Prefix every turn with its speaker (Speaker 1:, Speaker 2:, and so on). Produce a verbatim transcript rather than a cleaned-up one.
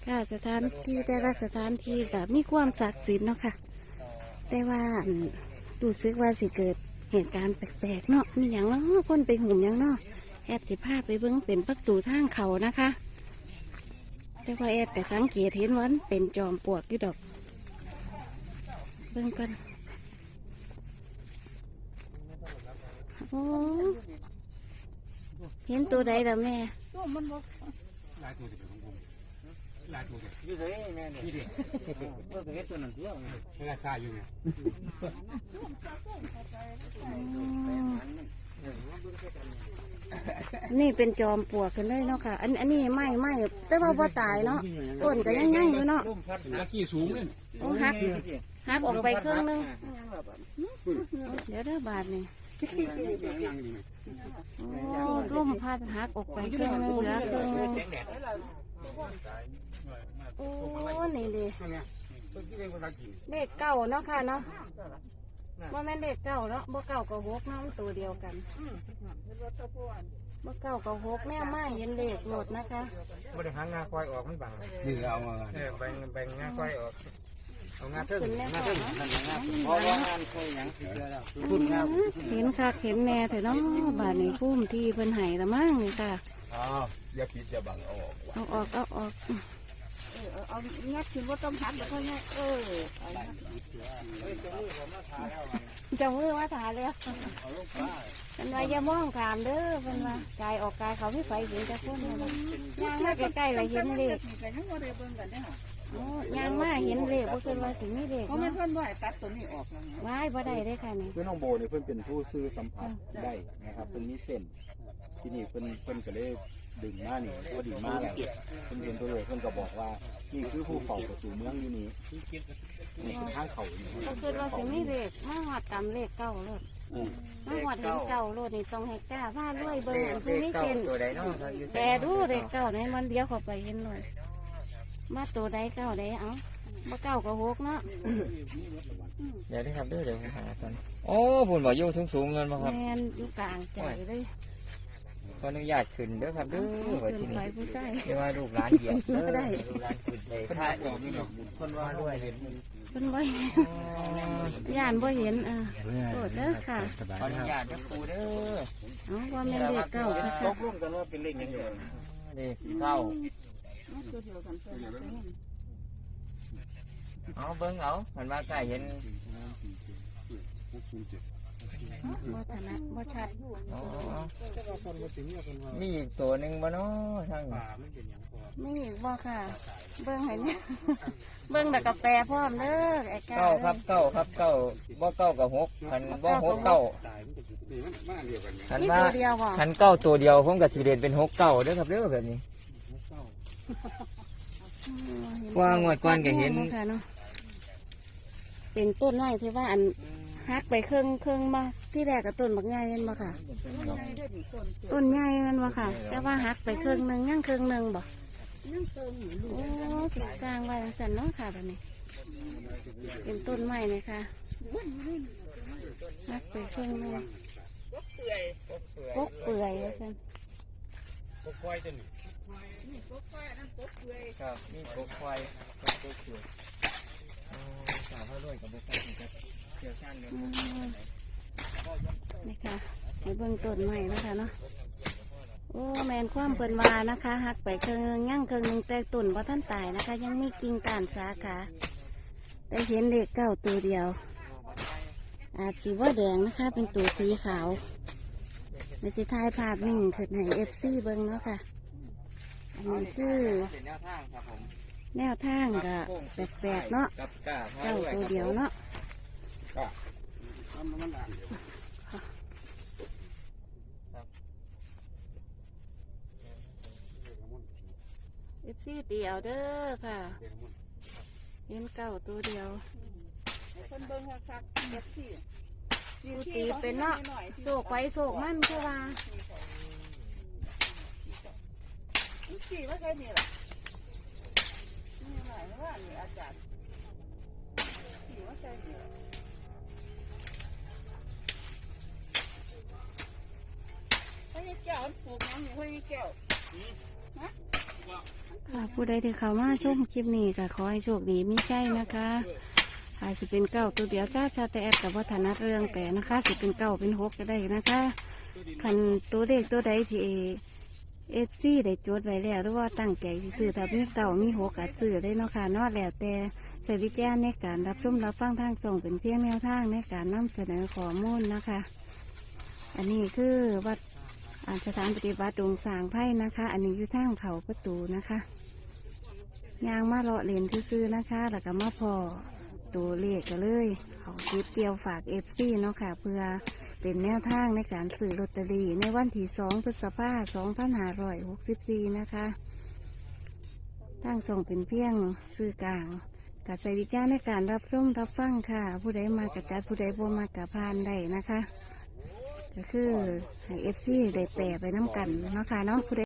Speaker 1: ค่ะสถานที่แต่ละสถานที่ก็มีความศักดิ์สิทธิ์เนาะค่ะแต่ว่าดูซึกว่าสิเกิดเหตุการณ์แปลกๆเนาะมีอย่างเนาะคนไปหุ่มอย่างเนาะแอดสิพาไปเบิ้งเป็นประตูทางเขานะคะแต่ว่าแอดแต่สังเกตเห็นว่าเป็นจอมปลวกอยู่ดอกเบิ้งกันโอ้เห็นตัวใดล่ะแม่
Speaker 2: ลายตัวเด็กของผมลายตัวเด็กอยู่ไหนแม่เนี่ยนี่เด็กเออเห็นตัวนั้นตัวเวลาตายอยู่ไง
Speaker 1: นี่เป็นจอมปลวกกันเลยเนาะค่ะอันอันนี้ไม่ไม่แต่ว่าบ่ตายเนาะต้นก็ยังยังอยู่เนาะ
Speaker 2: ตะกี้สูงเลย
Speaker 1: โอ้หักหักออกไปครึ่งนึงเดี๋ยวได้บาทนี่โอ้ร่มพัดหักออกไปครึ่งนึงเหลือครึ่งนึงโอ้นี่ดิเลขเก้าเนาะค่ะเนาะว่าแม่นเลขเก้าเนาะบ่เก้ากับหกเนาะมันตัวเดียวกันบ่เก้ากับหกแม่มาเห็นเลขโหลดนะคะ
Speaker 3: บ่ได้หางาควายออกมันบัง
Speaker 2: นี่เอา
Speaker 3: เออแบ่งแบ่งงาควายออกเอางาเทิง
Speaker 1: งาเทิง
Speaker 3: นั่นงาเพราะว่างานเคยหยังสิเจอแล้วคุณงา
Speaker 1: เห็นค่ะเห็นแน่แต่เนาะบาดนี้พุ่มที่เพิ่นไห้ละมั่งนี่ค่ะ
Speaker 2: อ๋ออย่าคิดจะบังเอาออก
Speaker 1: เอาออกเอาออก
Speaker 4: เออเอางัดขึ้นว่าต้องหัดแล้วก็งัดเออ
Speaker 1: จะมือว่าถ่ายแล้วเป็นไรอย่ามองขามเด้อเป็นว่ากายออกกายเขาไม่ไฟเห็นจะพ้นเลยย่างมาใกล้ๆเลยเห็นเลขย่างมาเห็นเลขเพราะเกินว่าถึงไม่เลข
Speaker 4: เพราะมันเพิ่นว่าตัดตัวนี้ออกแล้ว
Speaker 1: ว้ายบ่ได้ได้ค่ะนี่
Speaker 5: เพื่อนน้องโบเนี่ยเพื่อนเป็นผู้ซื้อสัมผัสได้นะครับเพื่อนมีเส้นที่นี่เพื่อนเพื่อนก็เลยดึงมานี่ก็ดึงมาแล้วเพื่อนเห็นตัวเลยเพื่อนก็บอกว่านี่คือภูเขาประตูเมืองอยู่นี่นี่คือทางเขาเนี่ย
Speaker 1: เพราะเกินว่าถึงไม่เลขมาหอดตามเลขเก้าเลยมาหอดเห็นเก้าโลดนี่ต้องให้กล้าผ้าด้วยเบอร์ผู้ไม่เส้นแต่ดูเลขเก้าในมันเดียวเข้าไปเห็นเลยมาตัวใดเก้าใดเอามาเก้ากับหกเนาะ
Speaker 3: เดี๋ยวได้ครับเด้อเดี๋ยวผมหาก่อนโอ้บุญบ่อยู่สูงสูงเงินมาครับ
Speaker 1: แมนอยู่กลางใจเลย
Speaker 3: ขออนุญาตขึ้นเด้อครับเด้อ
Speaker 1: ว่าที่นี่
Speaker 3: ไม่ว่าลูกหลานเหยียบเด้อลูกหลานขึ้นเลยถ้าออกนี่คนว่าด้วยเห็น
Speaker 1: คนบ่เห็นย่านบ่เห็นเออโทษเด้อค่ะ
Speaker 3: ขออนุญาตเด้อครูเด้อ
Speaker 1: เอาว่าแม่เลขเก้าค่ะ
Speaker 3: ตกลงกันว่าเป็นเลขยังไงเลขเก้าเอาเบิ้งเอามันมาใกล้เห็น
Speaker 1: บ่ถนัดบ่ชัด
Speaker 3: มีอีกตัวหนึ่งบ่เนาะทาง
Speaker 1: นี่บ่ค่ะเบิ้งเห็นเบิ้งแต่กาแฟพร้อมเด้อไอ้
Speaker 3: เก้าครับเก้าครับเก้าบ่เก้ากับหกขันบ่หกเก้าขันว่าขันเก้าตัวเดียวผมกับสีเด่นเป็นหกเก้าเด้อครับเด้อแบบนี้ว่างวดก่อนก็เห็น
Speaker 1: เป็นต้นไม้ที่ว่าอันหักไปเครื่องเครื่องมาที่แรกกับต้นบักใหญ่เห็นบ่ค่ะต้นใหญ่มันบ่ค่ะแต่ว่าหักไปเครื่องหนึ่งย่างเครื่องหนึ่งบ่โอ้ติดกลางไว้สันเนาะค่ะแบบนี้เป็นต้นไม้เลยค่ะหักไปเครื่องหนึ่งปกเปื่อยว่าสัน
Speaker 3: ปกควายจะหนึ่งครับนี่ปกควายปกเปื่อยสาวพ่อด้วยกับบุคคลครับเกี่ยวกันเลย
Speaker 1: นี่ค่ะให้เบื้องต้นใหม่นะคะเนาะโอ้แมนความเปิ่นวานะคะหักไปเครื่องย่างเครื่องนึงแต่ต้นว่าท่านตายนะคะยังมีกิ่งก้านสาขาแต่เห็นเลขเก้าตัวเดียวอาจสีว่าแดงนะคะเป็นตัวสีขาวในสิท้ายภาพนิ่งถึงให้เอฟซีเบิ้งเนาะค่ะอันนี้คือแนวทางก็แปลกๆเนาะเก้าตัวเดียวเนาะเอฟซีเดียวเด้อค่ะเห็นเก้าตัวเดียว
Speaker 4: คนเบิ้งคักเอฟซี
Speaker 1: กูตีเป็นเนาะโศกไปโศกมันคือว่า
Speaker 4: สี่ว่าใช่เนี่ยหรอนี่หมายว่านี่อาจารย์สี่ว่าใช่เนี่ยให้แก้วปลูกน้ำนี่ให้แก้วฮะ
Speaker 1: ค่ะผู้ใดที่เข้ามาชมคลิปนี้ก็ขอให้โชคดีมีใจนะคะอาจจะเป็นเก้าตัวเดียวจ้าชาแต่แอดกับวัฒนเรื่องแต่นะคะสิเป็นเก้าเป็นหกก็ได้นะคะคันตัวเลขตัวใดที่เอฟซีได้จดไว้แล้วหรือว่าตั้งใจสิซื้อถ้ามีเก้ามีหกอาจซื้อได้เนาะค่ะเนอกแล้วแต่ใส่วิจารณ์ในการรับชมรับฟังทางส่งเป็นเพียงแนวทางในการนำเสนอข้อมูลนะคะ อันนี้คือวัดอ่าสถานปฏิบัติดงสางไพ่นะคะ อันนี้คือทางเขาประตูนะคะยางมาเลาะเลนซื่อๆนะคะ แล้วก็มาพอตัวเลขกันเลยเขาคลิปเดียวฝากเอฟซีเนาะค่ะ เพื่อเป็นแนวทางในการซื้อลอตเตอรี่ในวันที่สองพฤษภาคมสองพันห้าร้อยหกสิบสี่นะคะทางส่งเป็นเพียงซื้อกลางกับใส่วิจารณ์ในการรับส้มรับฟังค่ะ ผู้ใดมากระจัดผู้ใดบ่มากระพานได้นะคะ ก็คือให้เอฟซีได้แปรไปน้ำกันเนาะค่ะเนาะผู้ใด